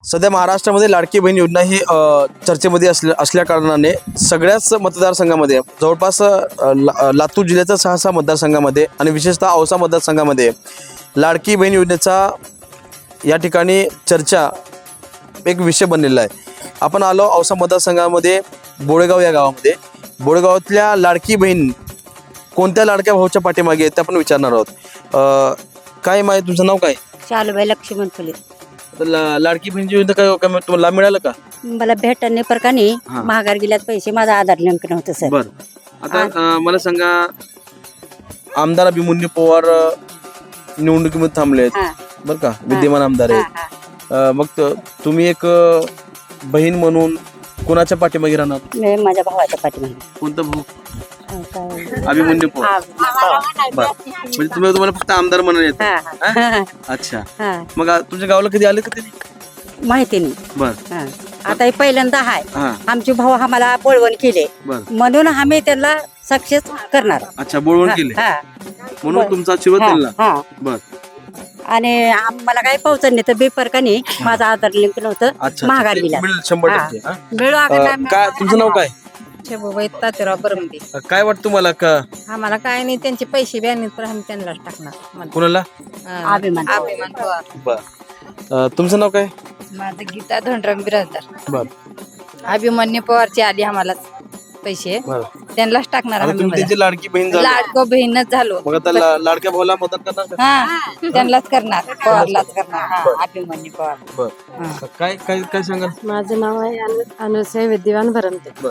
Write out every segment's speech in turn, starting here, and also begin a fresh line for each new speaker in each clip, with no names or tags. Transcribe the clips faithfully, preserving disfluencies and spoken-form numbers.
सध्या महाराष्ट्रामध्ये लाडकी बहीण योजना ही अ, चर्चेमध्ये असल्या असल्या कारणाने सगळ्याच मतदारसंघामध्ये जवळपास अ, ला- लातूर जिल्ह्याच्या सहा सहा मतदारसंघामध्ये आणि विशेषतः औसा मतदारसंघामध्ये लाडकी बहीण योजनेचा या ठिकाणी चर्चा एक विषय बनलेला आहे. आपण आलो औसा मतदारसंघामध्ये बोळेगाव या गावामध्ये. बोळेगावातल्या लाडकी बहीण कोणत्या लाडक्या भाऊच्या पाठीमागे आहेत ते आपण विचारणार आहोत. अ, काय माहिती, तुमचं नाव काय?
शालूबाई लक्ष्मण फुले.
आता ला- लाडकी बहीणची योजना काय काय तुम्हाला लाभ मिळाला का?
मला भेटणे प्रकारे
हा.
महागार गेल्यात पैसे, माझा आधार लिंक नव्हतं सर.
बर आता अ, मला सांगा, आमदार अभिमन्यू पवार अ, निवडणुकीमध्ये थांबले आहेत
हा,
बरं का, विद्यमान आमदार
हा,
आहेत.
हा.
अ, मग त- तुम्ही एक अ, बहीण म्हणून कोणाच्या पाठीमागे राहणार?
मी माझ्या भावाच्या पाठीमागे.
कोणतं भाऊ?
अं, काय-
अभिमन्यू पवार.
हा,
बर म्हणजे तुम्ही तुम्हाला फक्त आमदार म्हणून येत.
हा, हा,
अच्छा,
हा.
मग आ- तुमच्या गावाला कधी आले का ते?
माहिती नाही.
बर
हा. आता हे पहिल्यांदा आहे.
हा
आमचे भाऊ आम्हाला बोलवण केले
बर
म्हणून आम्ही त्यांना सक्सेस करणार.
अच्छा, बोलवून केले
हा,
म्हणून तुमचा आशीर्वाद
हा,
दिला.
हा.
बर
आणि आम्हाला काही पावसाळ नाही तर बेफरकाने माझा आधार लिंक नव्हतं,
अच्छा,
महागार
ते
गेल्या.
मिळेल शंभर
हा.
टक्के. हा?
मिळू
अ, काय तुमचं नाव काय?
तात्याराव बरमदे.
अ, काय वाटतं तुम्हाला का
आम्हाला काय नाही, त्यांचे पैसे बी आणले तर आम्ही त्यांनाच टाकणार.
कुणाला?
अं,
अभिमान.
अभिमान पवार.
बर अ, तुमचं नाव काय?
माझं गीता धनराम बिराजदार.
बर
अभिमन्यू पवारचे आधी आम्हाला पैसे
बर
त्यांनाच टाकणार
आता
आम्ही.
तुम्ही त्यांची लाडकी बहीण झाली,
लाडको बहीणच झालो.
मग आता ला- लाडक्या भावाला मदत करणार का?
हा, त्यांनाच करणार, पवारलाच करणार. हा, अभिमन्यू पवार.
बर काय काय काय सांगाल?
माझं नाव आहे अनु अनुसय विद्यवान भरमते.
बर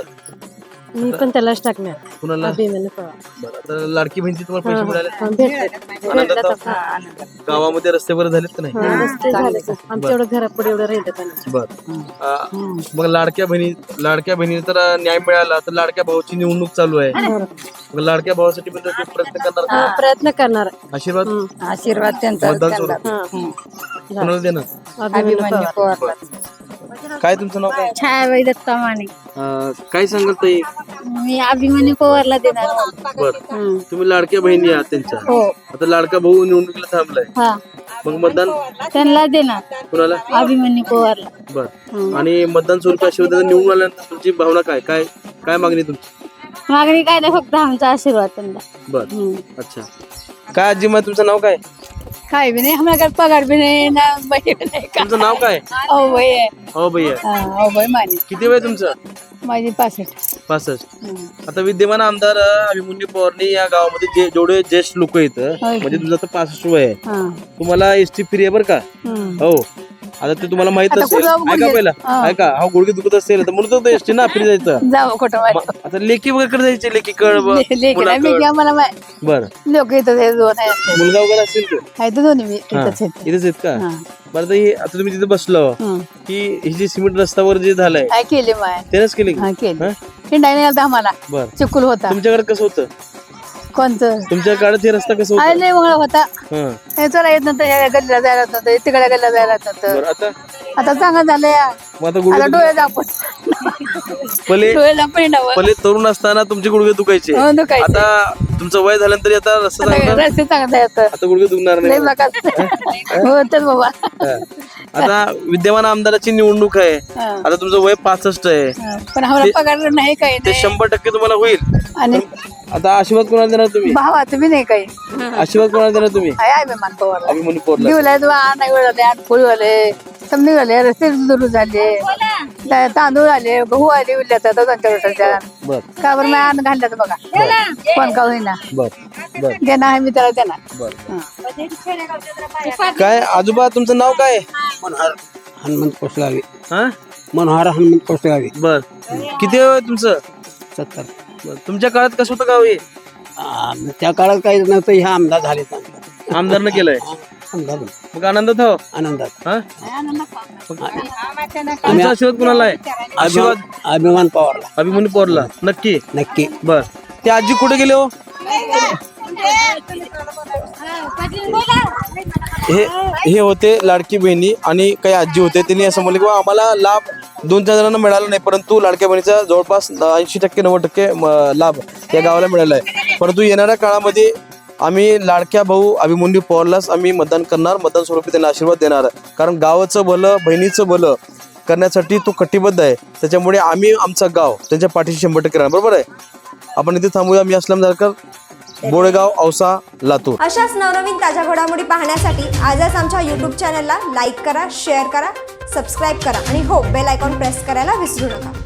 मी पण त्यालाच टाकणार.
कुणाला?
अभिमन्यू पवार.
बर आता लाडकी बहीणची तुम्हाला पैसे मिळाले?
हा, भेटले.
आनंदात
भेटलं
आहोत?
तर-
हा, आनंद.
गावामध्ये रस्ते बरे झालेत का नाही?
हा, रस्ते झाले तर. आमच्या एवढं घरापुढे एवढं राहिलं त्यांना.
बर अ, मग लाडक्या बहिणी लाडक्या बहिणी तर न्याय मिळाला तर लाडक्या भावाची निवडणूक चालू आहे. मग लाडक्या भावासाठी पण तुम्ही प्रयत्न करणार का?
हा, प्रयत्न करणार.
आशीर्वाद
आशीर्वाद त्यांचा
मतदान
त्यांना.
सोडून.
हा.
कोणाला देणार?
अभिमन्यू
अभिमन्यू
पवार.
पवारला.
काय तुमचं नाव काय?
छायाबाई दत्ता माने.
अ, काय सांगाल ताई?
मी अभिमन्यू पवारला देणार.
बर तुम्ही लाडक्या बहिणी आहात त्यांच्या.
हो.
आता लाडका भाऊ निवडणुकीला थांबलाय,
हा,
मग मतदान
त्यांना देणार.
कुणाला?
अभिमन्यू पवारला.
बर आणि मतदान स्वरूपी आशीर्वाद निवडून आल्यानंतर तुमची भावना काय काय काय मागणी तुमची?
मागणी काय नाही, फक्त आमचा आशीर्वाद त्यांना.
बर अच्छा, काय आजी मग तुमचं नाव काय?
काय बी नाही, आम्हाला पगार बी नाही ना, बाई बी नाही का.
तुमचं नाव काय?
हो बाई आहे.
हो भैया.
हा, हो बाई माने.
किती वय तुमचं?
माझी पासष्ट.
पासष्ट. आता विद्यमान आमदार अ, अभिमन्यू पवारनी या गावामध्ये जे जेवढे ज्येष्ठ लोक आहेत,
होय.
म्हणजे तुमचं आता पासष्ट वय आहे,
हा.
तुम्हाला एसटी फ्री आहे बरं का?
हम्म.
हो आता ते तुम्हाला माहित
आता
असेल.
कुठं
ऐका
गुडघे-
पहिला,
हा.
ऐका हा गुडघे दुखत असेल तर म्हणून तर एसटी ना फ्री जायचं.
जाऊ कुठं
मग आता लेकी वगैरे जायचे, लेकी कळ ब-
लेकरा मी
मुलाकड.
आम्हाला
बर
लोक येतात, हे दोन आहेत.
मुलगा वगैरे असेल तर
आहेत दोन्ही मी
हा,
इथंच आहेत.
इथेच आहेत का?
हा.
बरं आता हे आता तुम्ही तिथे बसलो
हं.
की ही जी सिमेंट रस्त्यावर जे झालंय
काय केले माय.
त्यानंच केले की?
हा, केले.
हा?
हिंडायला आलता आम्हाला,
बर
चिकुल होता.
तुमच्याकडे कसं होतं?
कोणतं
तुमच्या काळात हे रस्ता कसं
आय
होतं?
लय मंगळ होता.
हं.
हे चला येत नव्हतं, ह्या गल्लीला जायला येत नव्हतं, तिकडे गल्लीला जायला येत नव्हतं.
बरं आता
आता चांगलं झालंय.
मग आता
आता
गुडघे
डोळे दाखवून
पहिले
डोळे दाखवून हिंडावं.
पहिले तरुण असताना तुमचे गुडघे दुखायचे,
हो, दुखायचे.
आता तुमचं वय झाल्यानंतर आता रस्ता
आता
चांगला,
रस्ते चांगलं येतं.
आता गुडघे दुखणार
लय
नाही.
मका हो तर बाबा.
हं. आता विद्यमान आमदाराची निवडणूक आहे,
हा.
आता तुमचं वय पासष्ट आहे,
हा. पण आम्हाला पगार नाही काही
ते
नाही.
शंभर टक्के तुम्हाला होईल.
आणि
आता आशीर्वाद कोणाला देणार तुम्ही?
भावा तुम्ही नाही काही.
आशीर्वाद कोणाला देणार तुम्ही?
आहे अभिमान पवारला.
अभिमन्यू पवारला.
दिवला तू नाही झाले, आठ पोळी झाले, समजी झाले, रस्ते दुरू झाले, ता- तांदूळ आले, गहू आले, उरल्यात आता दोनच्या वर्षाच्या.
बर
का बरं मी अन्न घालण्यात बघा, कोण का होईना
बर बर
देणार आहे मी त्याला देणार.
बर काय आजोबा तुमचं नाव काय?
मनोहर हनुमंत कोसगावी.
हा
मनोहर हनुमंत कोसगावी.
बर किती वय तुमचं?
सत्तर.
बर. तुमच्या काळात कसं होतं गाव हे?
आ, त्या काळात काही नव्हतं, ह्या आमदार झाले चांगले.
आमदारनं केलंय,
आमदार
मग आनंदात हो.
आनंदात.
हा तुमचा आशीर्वाद कुणाला आहे? आशीर्वाद
अभिमान अभिमान पवारला.
अभिमन्यू पवारला नक्की.
नक्की.
बर ते आजी कुठे गेले हो? हे हे होते लाडकी बहिणी आणि काही आजी होते, त्यांनी असं म्हणलं की बा आम्हाला लाभ दोन चार जणांना मिळाला नाही, परंतु लाडक्या बहिणीचा जवळपास ऐंशी टक्के नव्वद टक्के म, लाभ या गावाला मिळाला आहे. परंतु येणाऱ्या काळामध्ये आम्ही लाडक्या भाऊ अभिमन्यू पवारलाच आम्ही मतदान करणार, मतदान स्वरूपी त्यांना आशीर्वाद देणार. कारण गावाचं भलं, बहिणीचं भलं करण्यासाठी तो कटिबद्ध आहे. त्याच्यामुळे आम्ही आमचं गाव त्यांच्या पाठीशी शंभर टक्के राहणार. बरोबर आहे. आपण इथे थांबूया. मी असलम जारकर, बोळेगाव, औसा, लातूर.
अशाच नवनवीन ताज्या घडामोडी पाहण्यासाठी आजच आमच्या यूट्यूब चॅनलला लाईक करा, शेअर करा, सबस्क्राईब करा आणि हो बेल आयकॉन प्रेस करायला विसरू नका.